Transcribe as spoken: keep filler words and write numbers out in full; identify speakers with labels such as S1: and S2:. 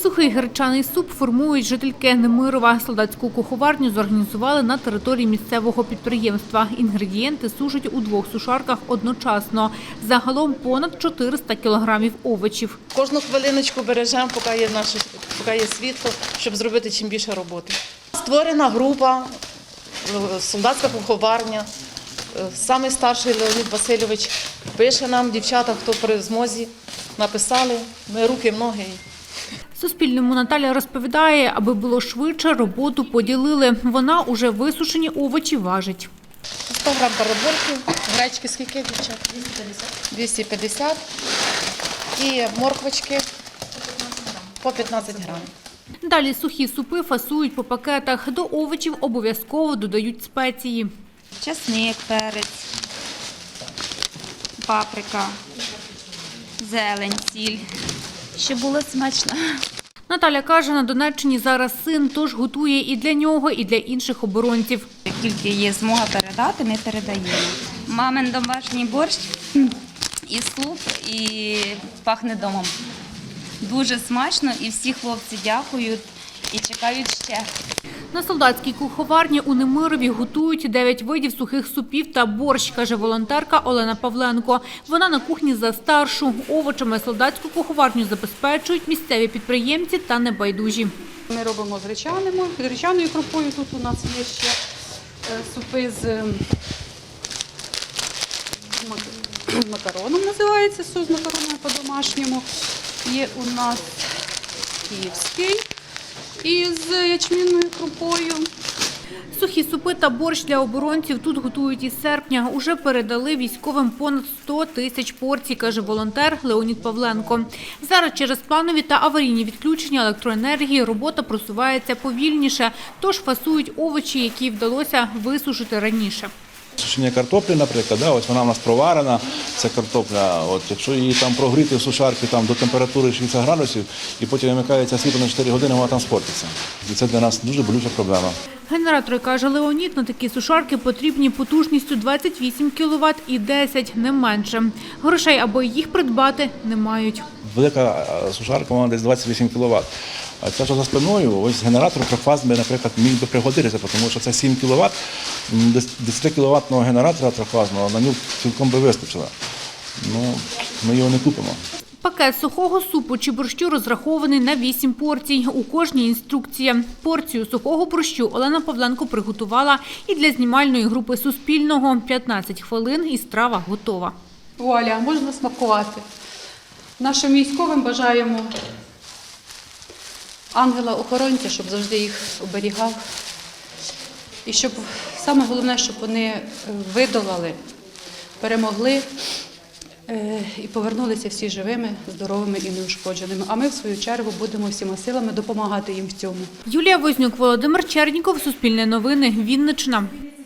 S1: Сухий гречаний суп формують жительки Немирова. Солдатську куховарню зорганізували на території місцевого підприємства. Інгредієнти сушать у двох сушарках одночасно. Загалом понад чотириста кілограмів овочів.
S2: Кожну хвилиночку бережемо, поки є, наше, поки є світло, щоб зробити чим більше роботи. Створена група, солдатська куховарня. Самий старший Леонід Васильович пише нам, дівчата, хто при змозі, написали, ми руки, ноги.
S1: Суспільному Наталя розповідає, аби було швидше, роботу поділили. Вона уже висушені овочі важить.
S2: сто грам карабольки, гречки скільки, дівчат? двісті п'ятдесят. І морквочки по п'ятнадцять грам.
S1: Далі сухі супи фасують по пакетах. До овочів обов'язково додають спеції.
S3: Часник, перець, паприка, зелень, сіль, щоб було смачно.
S1: Наталя каже, на Донеччині зараз син, тож готує і для нього, і для інших оборонців.
S3: Як тільки є змога передати, ми передаємо. Мамин домашній борщ і суп, і пахне домом. Дуже смачно, і всі хлопці дякують і чекають ще.
S1: На солдатській куховарні у Немирові готують дев'ять видів сухих супів та борщ, каже волонтерка Олена Павленко. Вона на кухні за старшу. Овочами солдатську куховарню забезпечують місцеві підприємці та небайдужі.
S4: Ми робимо з гречаними, з гречаною крупою. Тут у нас є ще супи з макароном, називається суп з макароном по-домашньому. Є у нас київський із ячмінною крупою.
S1: Сухі супи та борщ для оборонців тут готують із серпня. Уже передали військовим понад сто тисяч порцій, каже волонтер Леонід Павленко. Зараз через планові та аварійні відключення електроенергії робота просувається повільніше, тож фасують овочі, які вдалося висушити раніше.
S5: Сушення картоплі, наприклад, да, ось вона в нас проварена, ця картопля. От, якщо її там прогріти в сушарці там, до температури шістдесят градусів і потім вимикається світло на чотири години, вона там спортиться. І це для нас дуже болюча проблема.
S1: Генератори, каже Леонід, на такі сушарки потрібні потужністю двадцять вісім кіловат і десять, не менше. Грошей, аби їх придбати, не мають.
S5: Велика сушарка, вона десь двадцять вісім кіловат. А це, що за спиною, ось генератор трьохфазний, наприклад, міг би пригодитися, тому що це сім кіловат, десятикіловатного генератора трьохфазного на нього цілком би вистачило. Ну, ми його не купимо.
S1: Пакет сухого супу чи борщу розрахований на вісім порцій. У кожній інструкція. Порцію сухого борщу Олена Павленко приготувала і для знімальної групи Суспільного. п'ятнадцять хвилин і страва готова.
S4: Вуаля, можна смакувати. Нашим військовим бажаємо ангела-охоронця, щоб завжди їх оберігав. І щоб, саме головне, щоб вони видолали, перемогли і повернулися всі живими, здоровими і неушкодженими. А ми, в свою чергу, будемо всіма силами допомагати їм в цьому.
S1: Юлія Вознюк, Володимир Черніков, Суспільне новини, Вінниччина.